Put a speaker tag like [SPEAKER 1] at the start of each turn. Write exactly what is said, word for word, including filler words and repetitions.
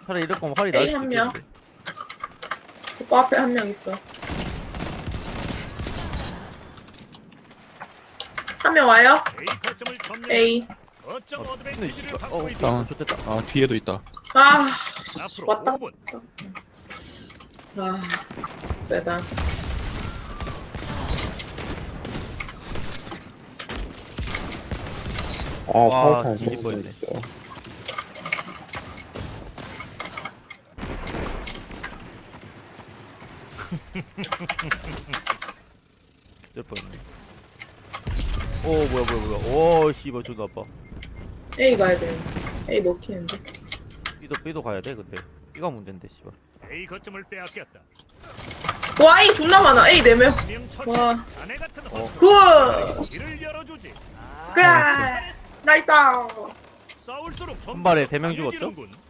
[SPEAKER 1] 차라리 이럴 거면 활이 나을
[SPEAKER 2] A
[SPEAKER 1] 수도
[SPEAKER 2] 한 명.
[SPEAKER 1] 있겠는데.
[SPEAKER 2] 오빠 앞에 한 명 있어. 한 명 와요?
[SPEAKER 3] A 거점을 점령.
[SPEAKER 2] A.
[SPEAKER 3] 거점
[SPEAKER 1] 근데
[SPEAKER 3] 어드밴티지를
[SPEAKER 1] 씨발
[SPEAKER 3] 갖고
[SPEAKER 1] 어
[SPEAKER 3] 있다.
[SPEAKER 4] 다운.
[SPEAKER 1] 좋됐다.
[SPEAKER 4] 아 뒤에도 있다.
[SPEAKER 2] 아,
[SPEAKER 3] 앞으로
[SPEAKER 2] 왔다.
[SPEAKER 3] 오 분.
[SPEAKER 2] 아, 세다.
[SPEAKER 5] 아,
[SPEAKER 1] 와,
[SPEAKER 5] 살살
[SPEAKER 1] 뒤집어
[SPEAKER 5] 먹고
[SPEAKER 1] 있네.
[SPEAKER 5] 있어.
[SPEAKER 1] 될 뻔했네. 오 뭐야 뭐야 뭐야. 오 씨발 존나 아파.
[SPEAKER 2] A 가야 돼. A 먹히는데.
[SPEAKER 1] B도 B도 가야 돼 근데. B가 문제인데 씨발.
[SPEAKER 3] A 거점을 빼앗겼다.
[SPEAKER 2] 와, A 존나 많아. A 네 명.
[SPEAKER 3] 명 처치.
[SPEAKER 2] 와.
[SPEAKER 3] 자네 같은
[SPEAKER 1] 어.
[SPEAKER 3] 헛.
[SPEAKER 2] 굿!
[SPEAKER 3] 길을 열어주지.
[SPEAKER 2] 그래! 나이스!
[SPEAKER 3] 싸울수록
[SPEAKER 1] 한 발에 세명 죽었죠?
[SPEAKER 3] 강해지는군.